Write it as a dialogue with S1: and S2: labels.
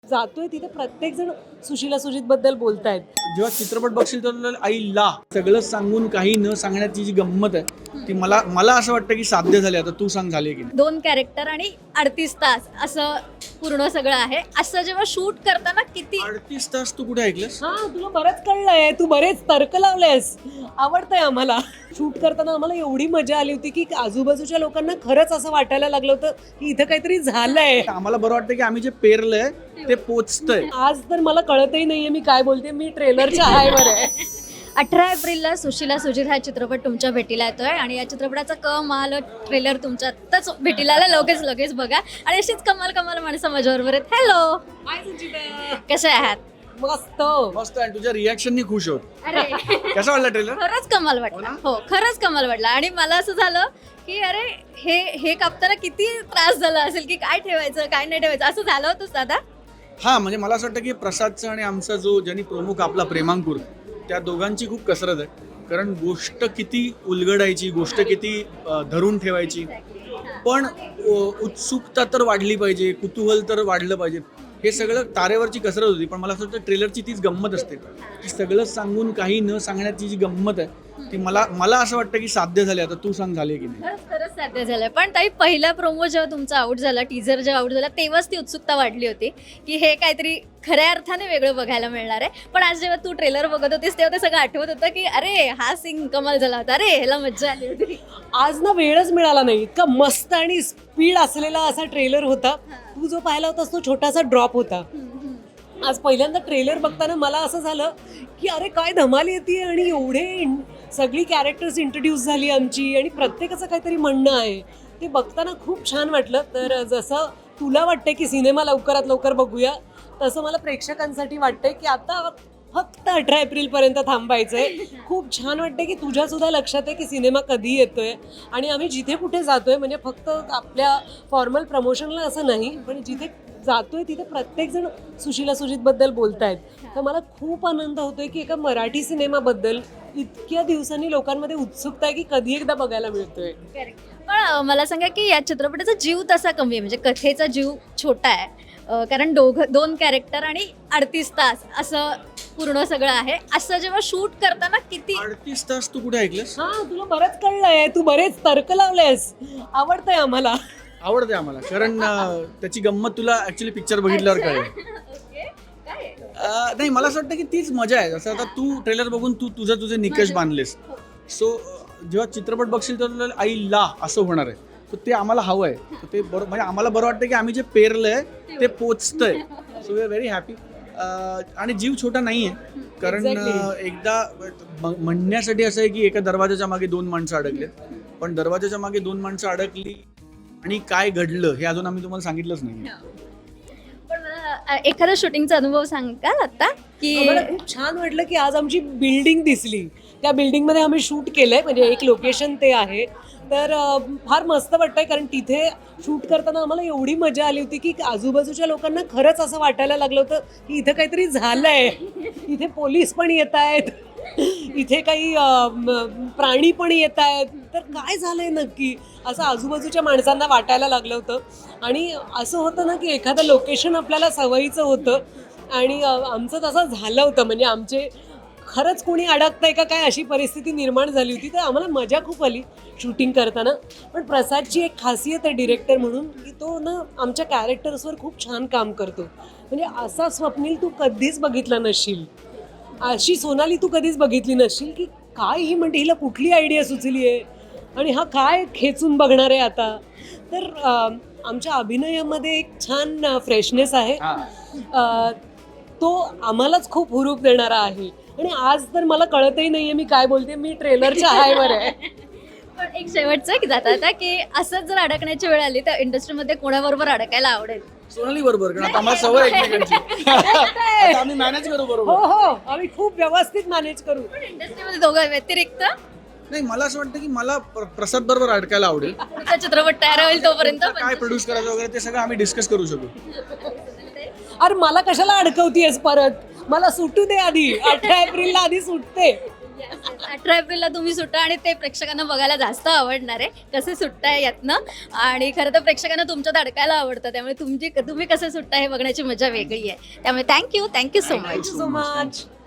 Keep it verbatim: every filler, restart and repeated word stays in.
S1: जातोय तिथे प्रत्येक जण सुशीला सुजित बद्दल बोलतायत.
S2: जेव्हा चित्रपट बघशील तर आईला सगळं सांगून काही न सांगण्याची जी गंमत आहे ती मला मला असं वाटतं की साध्य झाली. आता तू सांग झाली की नाही.
S3: दोन कॅरेक्टर आणि अडतीस तास असं पूर्ण सगळं आहे. असं जेव्हा शूट करताना किती
S2: अडतीस तास तू कुठे ऐकलंस?
S1: हा तुला बरंच कळलंय, तू बरेच तर्क लावलेस. आवडतंय आम्हाला. शूट करताना आम्हाला एवढी मजा आली होती की आजूबाजूच्या लोकांना खरंच असं वाटायला लागलं होतं की इथं काहीतरी झालंय.
S2: आम्हाला बरं वाटतं की आम्ही जे पेरलंय ते पोचतंय.
S1: आज तर मला कळतही नाहीये मी काय बोलते. मी ट्रेलरच्या हायवर आहे.
S3: अठरा एप्रिलला सुशीला सुजित हा चित्रपट तुमच्या भेटीला येतोय आणि या चित्रपटाचा कमाल ट्रेलर तुमच्या आत्ताच भेटीला आला. लगेच लगेच बघा आणि अशीच कमाल कमाल माणसं माझ्याबरोबर आहेत. हॅलो, कसे आहात?
S1: मस्त.
S2: मस्त. आणि तुझ्या रिॲक्शननी खुश होत.
S3: अरे
S2: कसा वाटला ट्रेलर?
S3: खरंच कमाल वाटला. हो खरंच कमाल वाटला. आणि मला असं झालं की अरे हे हे कापताना किती त्रास झाला असेल की काय ठेवायचं काय नाही ठेवायचं असं झालं होतं दादा.
S2: हा म्हणजे मला असं वाटतं की प्रसादचा आणि आमचा जो ज्यांनी प्रमुख आपला प्रेमांकुर त्या दोघांची खूप कसरत आहे. कारण गोष्ट किती उलगडायची, गोष्ट किती अ, धरून ठेवायची, पण अ, उत्सुकता तर वाढली पाहिजे, कुतूहल तर वाढलं पाहिजे. हे सगळं तारेवरची कसरत होती. पण मला असं वाटतं ट्रेलरची तीच गंमत असते की सगळं सांगून काही न सांगण्याची जी गंमत आहे ती मला मला असं वाटतं की साध्य झाली. आता तू सांग झाली की नाही.
S3: खरंच खरंच साध्य झालंय. पण ताई पहिला प्रोमो जेव्हा तुमचा आउट झाला, टीझर जेव्हा आउट झाला तेव्हाच ती उत्सुकता वाढली होती की हे काहीतरी खऱ्या अर्थाने वेगळं बघायला मिळणार आहे. पण आज जेव्हा तू ट्रेलर बघत होतीस तेव्हा ते सगळं आठवत होतं की अरे हा सीन कमाल झाला होता, अरे ह्याला मज्जा आली होती.
S1: आज ना वेळच मिळाला नाही. इतका मस्त आणि स्पीड असलेला असा ट्रेलर होता. तू जो पाहिला होतास तो छोटासा ड्रॉप होता. आज पहिल्यांदा ट्रेलर बघताना मला असं झालं की अरे काय धमाल येते आणि एवढे इन- सगळी कॅरेक्टर्स इंट्रोड्यूस झाली आमची आणि प्रत्येकाचं काहीतरी म्हणणं आहे. ते बघताना खूप छान वाटलं. तर जसं तुला वाटतंय की सिनेमा लवकरात लवकर बघूया तसं मला प्रेक्षकांसाठी वाटतंय की आता फक्त अठरा एप्रिलपर्यंत थांबायचं आहे. खूप छान वाटतंय की तुझ्यासुद्धा लक्षात आहे की सिनेमा कधी येतोय आणि आम्ही जिथे कुठे जातोय म्हणजे फक्त आपल्या फॉर्मल प्रमोशनला असं नाही पण जिथे जातोय तिथे प्रत्येक जण सुशीला सुजित बद्दल बोलतायत. तर मला खूप आनंद होतोय की एका मराठी सिनेमाबद्दल इतक्या दिवसांनी लोकांमध्ये उत्सुकता आहे की कधी एकदा बघायला मिळतोय.
S3: पण अं, मला सांगा की या चित्रपटाचा जीव तसा कमी आहे, म्हणजे कथेचा जीव छोटा आहे. अं, कारण दोघ दोन कॅरेक्टर आणि अडतीस तास असं पूर्ण सगळं आहे. असं जेव्हा शूट करताना किती
S2: अडतीस तास तू कुठे ऐकलंस?
S1: हा तुला बरंच कळलंय, तू बरेच तर्क लावलेस. आवडतंय आम्हाला.
S2: आवडते आम्हाला. कारण अ, त्याची गंमत तुला ऍक्च्युली पिक्चर बघितल्यावर कळेल.
S3: ओके, काय आहे?
S2: अ, नाही मला असं वाटतं की तीच मजा आहे. जसं आता तू ट्रेलर बघून तू तुझं तुझे निकष बांधलेस. सो जेव्हा चित्रपट बघशील तर आईला असं होणार आहे. तर ते आम्हाला हवं आहे. तर ते बरं म्हणजे आम्हाला बरं वाटतं की आम्ही जे पेरलंय ते पोचतंय. So we are very happy. आणि जीव छोटा नाही आहे. कारण अ,
S1: Exactly.
S2: एकदा म- म्हणण्यासाठी असं आहे की एका दरवाजाच्या मागे दोन माणसं अडकलेत. पण दरवाजाच्या मागे दोन माणसं अडकली आणि काय घडलं हे अजून आम्ही तुम्हाला सांगितलंच नाही.
S3: पण मला अं, एखादा शूटिंगचा अनुभव सांगाल आता की
S1: मला खूप छान वाटलं की आज आमची बिल्डिंग दिसली. त्या बिल्डिंगमध्ये आम्ही शूट केलंय म्हणजे एक लोकेशन ते आहे. तर अं, फार मस्त वाटतंय कारण तिथे शूट करताना आम्हाला एवढी मजा आली होती की आजूबाजूच्या लोकांना खरंच असं वाटायला लागलं होतं की इथं काहीतरी झालंय. इथे पोलीस पण येत आहेत, इथे काही अं, म- प्राणी पण येत आहेत. तर काय झालंय नक्की असं आजूबाजूच्या माणसांना वाटायला लागलं होतं. आणि असं होतं ना की एखादं लोकेशन आपल्याला सवयीचं होतं आणि अं, आमचं तसं झालं होतं. म्हणजे आमचे खरंच कोणी अडकतंय का काय अशी परिस्थिती निर्माण झाली होती. तर आम्हाला मजा खूप आली शूटिंग करताना. पण प्रसादची एक खासियत आहे डिरेक्टर म्हणून की तो ना आमच्या कॅरेक्टर्सवर खूप छान काम करतो. म्हणजे असा स्वप्नील तू कधीच बघितला नसशील, अशी सोनाली तू कधीच बघितली नसशील की काय ही म्हणते हिला कुठली आयडिया सुचली आहे आणि हा काय खेचून बघणार आहे आता. तर अं, आमच्या अभिनयामध्ये एक छान फ्रेशनेस आहे. अं, तो आम्हालाच खूप हुरूप देणारा आहे. आणि आज तर मला कळतही नाहीये मी काय बोलते. मी ट्रेलरच्या हायवर आहे.
S3: पण एक शेवटचं की जाता आता की असंच जर अडकण्याची वेळ आली तर इंडस्ट्रीमध्ये कोणाबरोबर अडकायला आवडेल?
S2: सोनाली बरोबर. कारण आता आम्हाला सवय आहे एकमेकांची. आता आम्ही मॅनेज करू
S1: हो
S2: बरोबर.
S1: हो आम्ही खूप व्यवस्थित मॅनेज करू.
S3: पण इंडस्ट्रीमध्ये दोघं व्यतिरिक्त
S2: नाही मला असं वाटतं की मला प्र- प्रसाद बरोबर अडकायला आवडेल.
S3: पुढचा चित्रपट तयार होईल तोपर्यंत
S2: काय प्रोड्यूस करायचं वगैरे ते सगळं आम्ही डिस्कस करू शकू.
S1: अरे मला कशाला अडकवतीयस परत. मला सुटू दे आधी. अठरा एप्रिलला आधी सुटते.
S3: अठरा एप्रिलला तुम्ही सुट्टा आणि ते प्रेक्षकांना बघायला जास्त आवडणार आहे कसे सुट्टाय यातनं आणि खरं तर प्रेक्षकांना तुमच्यात अडकायला आवडतं त्यामुळे तुमची तुम्ही कसे सुट्टा हे बघण्याची मजा वेगळी आहे त्यामुळे thank you thank you so much
S1: thank you so much